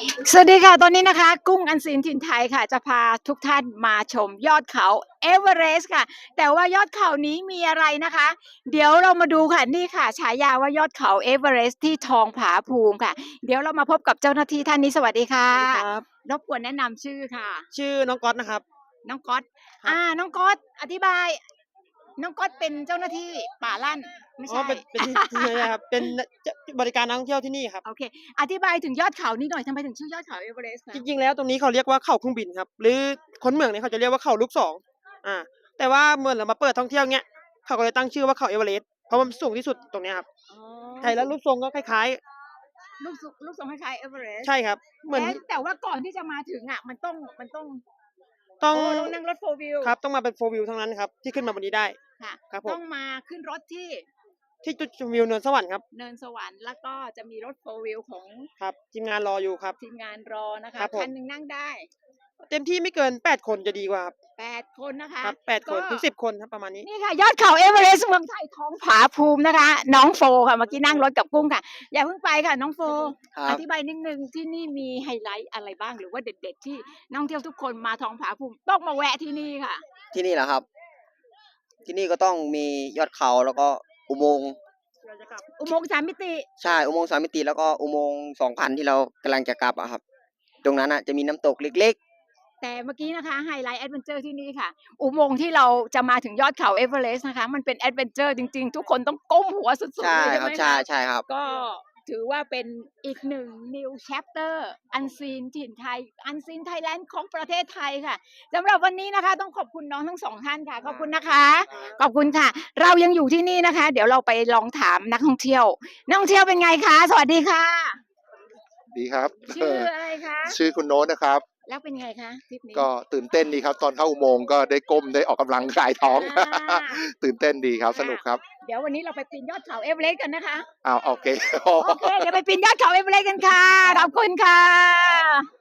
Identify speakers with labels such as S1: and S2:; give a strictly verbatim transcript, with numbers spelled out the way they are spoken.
S1: สวัสดีค่ะตอนนี้นะคะกุ้งอันซีนถิ่นไทยค่ะจะพาทุกท่านมาชมยอดเขาเอเวอเรสต์ค่ะแต่ว่ายอดเขานี้มีอะไรนะคะเดี๋ยวเรามาดูค่ะนี่ค่ะฉายาว่ายอดเขาเอเวอเรสต์ที่ทองผาภูมิค่ะเดี๋ยวเรามาพบกับเจ้าหน้าที่ท่านนี้สวัสดีค่ะ
S2: สวัสดีครับ
S1: รบกวนแนะนำชื่อค่ะ
S2: ชื่อน้องก๊อตนะครับ
S1: น้องก๊อต
S2: ครับ
S1: อ่าน้องก๊อตอธิบายน้องก๊อตเป็นเจ้าหน้าที่ป่าลั่นไม่
S2: อ๋อ
S1: ใช่
S2: เป็นเป็นใช่ครับเป็นจบริการนักท่องเที่ยวที่นี่ครับ
S1: โอเคอธิบายถึงยอดเขานี้หน่อยทำไมถึงชื่อยอดเขาเอเวอเรสต์
S2: จ
S1: คะ
S2: ริงๆแล้วตรงนี้เขาเรียกว่าเขาเครื่องบินครับหรือคนเมืองเนี่ยเขาจะเรียกว่าเขาลูกศรอาแต่ว่าเมื่อเรามาเปิดท่องเที่ยวเงี้ยเขาก็เลยตั้งชื่อว่าเขาเอเวอเรสต์เพราะมันสูงที่สุดตรงเนี้ยครับ
S1: อ๋อ
S2: ใช่แล้วรูปทรงก็คล้าย
S1: ลูกทรงลูกทรงคล้ายๆเอเวอเรสต์
S2: ๆใช่ครับเหมือน
S1: แล้วแต่ว่าก่อนที่จะมาถึงอะมันต้องมันต้อง
S2: ต้อง
S1: โอ้ต้องนั่งรถ โฟร์ วีล
S2: ครับต้องมาเป็น โฟร์ วีล เท่านั้นครับที่ขึ้นมาบนนี้ได้
S1: ค่ะ
S2: ครับผม
S1: ต้องมาขึ้นรถที่
S2: ที่จุดชมวิวเนินสวรรค์ครับ
S1: เนินสวรรค์แล้วก็จะมีรถ โฟร์ วีล ของ
S2: ครับทีมงานรออยู่ครับ
S1: ทีมงานรอนะ
S2: ค
S1: คะ
S2: รับผม
S1: คันหนึ่งนั่งได้
S2: เต็มที่ไม่เกินแปดคนจะดีกว่าครับ
S1: แปดคนนะคะ
S2: ครับแปดคน
S1: ก็
S2: ถึงสิบคนครับประมาณนี้
S1: นี่ค่ะยอดเขาเอเวอเรสต์เมืองไทยท้องผาภูมินะคะน้องโฟค่ะเมื่อกี้นั่งรถกับกุ้งค่ะอย่าเพิ่งไปค่ะน้องโฟอ
S3: ครับ
S1: ธิบายนิดนึงที่นี่มีไฮไลท์อะไรบ้างหรือว่าเด็ดๆที่นักท่องเที่ยวทุกคนมาท้องผาภูมิต้องมาแวะที่นี่ค่ะ
S3: ที่นี่เหรอครับที่นี่ก็ต้องมียอดเขาแล้วก็อุโมงค์
S1: อุโมงค์สามมิติ
S3: ใช่อุโมงค์สามมิติแล้วก็อุโมงค์สองพันที่เรากำลังจะกลับอะครับตรงนั้นอะจะมีน้ำตกเล็ก
S1: แต่เมื่อกี้นะคะไฮไลท์แอดเวนเจอร์ที่นี่ค่ะอุโมงค์ที่เราจะมาถึงยอดเขาเอเวอเรสต์นะคะมันเป็นแอดเวนเจอร์จริงๆ ทุกคนต้องก้มหัวสุด
S3: ๆ
S1: ๆ
S3: ใช่
S1: เลยใช่ไหม
S3: ครับใช่
S1: คะ
S3: ใช่ครับ
S1: ก็ถือว่าเป็นอีกหนึ่ง new chapter อันซีนถิ่นไทยอันซีนไทยแลนด์ของประเทศไทยค่ะสำหรับวันนี้นะคะต้องขอบคุณน้องทั้งสองท่านค่ะขอบคุณนะคะขอบคุณค่ะ เรายังอยู่ที่นี่นะคะ เดี๋ยวเราไปลองถามนักท่องเที่ยวนักท่องเที่ยวเป็นไงคะสวัสดีค่ะ
S4: ดีครับ
S1: ชื่ออะไรคะ
S4: ชื่อคุณโน้ตนะครับ
S1: แล้วเป็นไงคะทริปนี้
S4: ก็ตื่นเต้นดีครับ ตอนเข้าอุโมงค์ก็ได้ก้มได้ออกกำลังกายท้อง
S1: อ่า
S4: ตื่นเต้นดีครับ สนุกครับ
S1: เดี๋ยววันนี้เราไปปีนยอดเขาเอเวอเรสต์กันนะคะ
S4: อ้าวโอเค
S1: โอเค เดี๋ยวไปปีนยอดเขาเอเวอเรสต์กันค่ะ ขอบคุณค่ะ